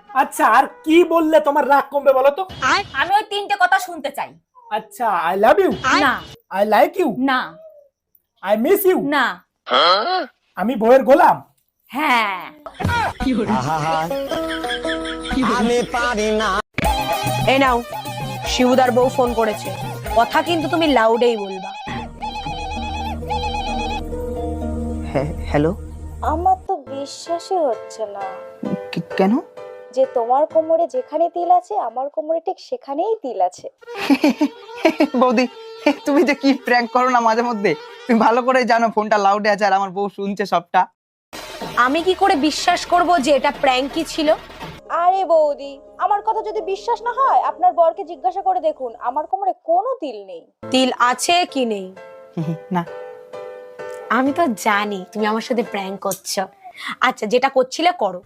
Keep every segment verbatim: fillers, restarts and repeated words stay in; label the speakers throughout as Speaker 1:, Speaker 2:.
Speaker 1: আচ্ছা আর কি বললে তোমার রাগ কমবে বলো তো?
Speaker 2: আমি ওই তিনটে কথা শুনতে চাই।
Speaker 1: আচ্ছা আই লাভ ইউ,
Speaker 2: না
Speaker 1: আই লাইক ইউ,
Speaker 2: না
Speaker 1: আই মিস ইউ,
Speaker 2: না
Speaker 1: আমি বইয়ের গোলাম।
Speaker 2: হ্যাঁ
Speaker 3: আমি পারি না।
Speaker 4: এই নাও, শিবুদার বউ ফোন করেছে, কথা কিন্তু তুমি লাউডেই বলবা।
Speaker 5: হ্যাঁ হ্যালো।
Speaker 6: আমার তো বিশ্বাসই হচ্ছে না
Speaker 5: কেন?
Speaker 6: যে তোমার কোমরে যেখানে তিল আছে আমার কোমরে ঠিক সেখানেই তিল আছে।
Speaker 5: বৌদি তুমি যে কি প্র্যাঙ্ক করো না মাঝে মধ্যে, তুমি ভালো করে জানো ফোনটা লাউডে আছে আর আমার বউ শুনছে সবটা।
Speaker 4: আমি কি করে বিশ্বাস করব যে এটা প্র্যাঙ্কই ছিল?
Speaker 6: আরে বৌদি, আমার কথা যদি বিশ্বাস না হয় আপনার বরকে জিজ্ঞাসা করে দেখুন, আমার কোমরে কোনো তিল নেই।
Speaker 4: তিল আছে কি নেই?
Speaker 5: না
Speaker 4: আমি তো জানি তুমি আমার সাথে প্র্যাঙ্ক করছো। আচ্ছা যেটা করছিলে করো।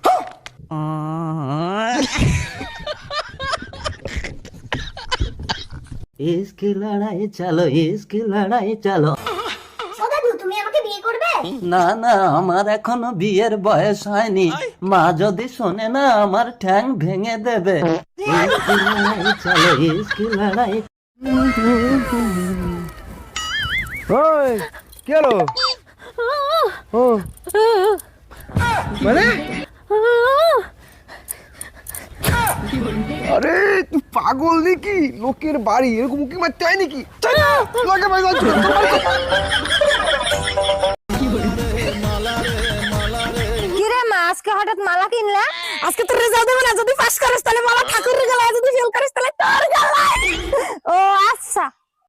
Speaker 3: ইসকি লড়াই চলো, ইসকি লড়াই চলো।
Speaker 2: তুমি আমাকে বিয়ে করবে?
Speaker 3: না না, আমার এখনো বিয়ের বয়স হয়নি। মা যদি শোনে না আমার ঠ্যাং ভেঙে দেবে। ইসকি লড়াই চলো, ইসকি লড়াই।
Speaker 7: ওই কি হলো? ও মানে আরে তুই পাগল নাকি? লোকের বাড়ি এরকম উকি মারতে হয় নাকি? লোকে ভাই
Speaker 4: কিরে মা, আজকে হঠাৎ মালা কিনলা? আজকে তোর রেজাল্ট দেবে না, যদি পাস করিস তাহলে মালা ঠাকুরের গলায়, যদি ফেল করিস তাহলে তোর গলায়। ও আচ্ছা।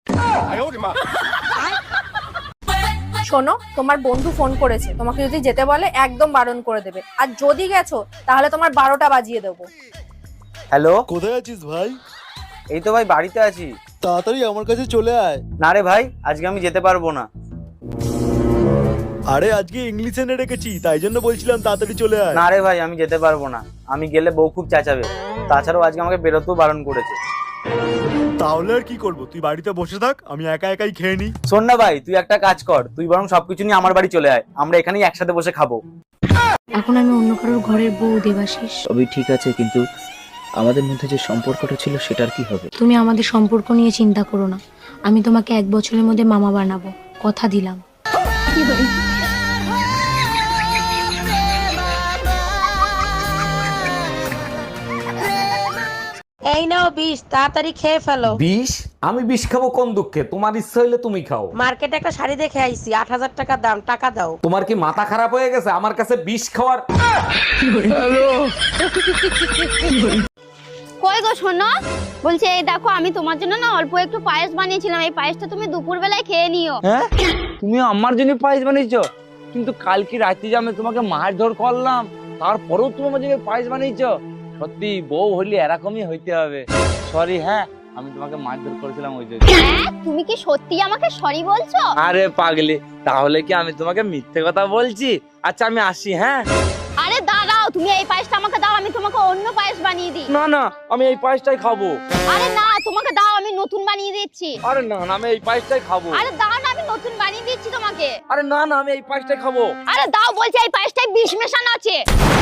Speaker 4: শোনো, তোমার বন্ধু ফোন করেছে, তোমাকে যদি যেতে বলে একদম বারণ করে দেবে, আর যদি গেছো তাহলে তোমার বারোটা বাজিয়ে দেবো।
Speaker 7: হ্যালো,
Speaker 8: কোথায় আছিস ভাই?
Speaker 7: এই তো ভাই বাড়িতে আছি।
Speaker 8: তাড়াতাড়ি আমার কাছে চলে আয়।
Speaker 7: না রে ভাই, আজকে আমি যেতে পারবো না।
Speaker 8: আরে আজকে ইংলিশ এনে রেখেছি, তাই জন্য বলছিলাম তাড়াতাড়ি চলে আয়।
Speaker 7: না রে ভাই, আমি যেতে পারবো না। আমি গেলে বউ খুব চেঁচাবে। তাছাড়াও আজকে আমাকে বেরোতেও বারণ করেছে।
Speaker 8: তাহলে আর কি করবো, তুই বাড়িতে বসে থাক, আমি একা একাই খেয়ে নিই।
Speaker 7: শোন না ভাই, তুই একটা কাজ কর, তুই বরং সবকিছু নিয়ে আমার বাড়ি চলে আয়, আমরা এখানেই একসাথে বসে খাবো।
Speaker 9: এখন আমি অন্য কারোর ঘরের বউ দেবাশিস।
Speaker 5: সবই ঠিক আছে, কিন্তু আমাদের মধ্যে যে সম্পর্কটা ছিল সেটার কি হবে?
Speaker 9: তুমি আমাদের সম্পর্ক নিয়ে চিন্তা করো না, আমি তোমাকে এক বছরের মধ্যে মামা বানাবো, কথা দিলাম।
Speaker 4: এই নাও বিষ, তাড়াতাড়ি খেয়ে ফেলো।
Speaker 10: বিষ? আমি বিষ খাবো কোন দুঃখে? তোমার ইচ্ছা হইলে তুমি খাও।
Speaker 4: মার্কেটে একটা শাড়ি দেখে আইছি, আট হাজার টাকা দাম, টাকা দাও।
Speaker 10: তোমার কি মাথা খারাপ হয়ে গেছে আমার কাছে বিষ খাওয়ার?
Speaker 11: কই গো শোনো, বলছে এই দেখো আমি তোমার জন্য না অল্প একটু পায়েস বানিয়েছিলাম, এই পায়েসটা তুমি দুপুর বেলায় খেয়ে নিও।
Speaker 7: হ্যাঁ, তুমি আমার জন্য পায়েস বানিয়েছো? কিন্তু কালকে রাতে যে আমি তোমাকে মারধর করলাম, তারপরেও তুমি আমার জন্য পায়েস বানিয়েছো? সত্যি বউ হইলে এরকমই হইতে হবে। সরি, হ্যাঁ আমি তোমাকে মারধর করেছিলাম ওই জন্য।
Speaker 11: হ্যাঁ, তুমি কি সত্যি আমাকে সরি বলছো?
Speaker 7: আরে পাগলি, তাহলে কি আমি তোমাকে মিথ্যে কথা বলছি? আচ্ছা আমি আসি, হ্যাঁ।
Speaker 11: আরে দাঁড়াও, তুমি এই পায়েসটা আমাকে দাও, আমি তোমাকে অন্য পায়েস বানিয়ে দিই।
Speaker 7: না না, আমি এই পায়েসটাই খাবো।
Speaker 11: আরে না, তোমাকে দাও, আমি নতুন বানিয়ে দিচ্ছি।
Speaker 7: আরে না না, আমি এই পায়েসটাই খাবো।
Speaker 11: আরে দাও না, আমি নতুন বানিয়ে দিচ্ছি তোমাকে।
Speaker 7: আরে না না, আমি এই পায়েসটাই খাবো।
Speaker 11: আরে দাও বলছি, এই পায়েসটায় বিষ মেশানো আছে।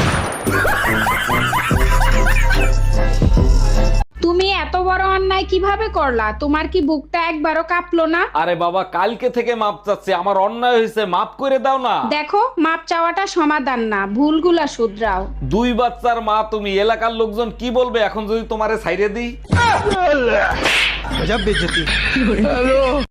Speaker 12: তুমি এত বড় অন্যায় কিভাবে করলা? তোমার কি বুকটা একবারও কাঁপলো না?
Speaker 10: আরে বাবা, কালকে থেকে মাপ চাচ্ছি, আমার অন্যায় হয়েছে, মাপ করে দাও না।
Speaker 12: দেখো, মাপ চাওয়াটা সমাধান না, ভুলগুলা শুধরাও।
Speaker 10: দুই বাচ্চার মা তুমি, এলাকার লোকজন কি বলবে এখন যদি তোমারে ছাইরে দিই?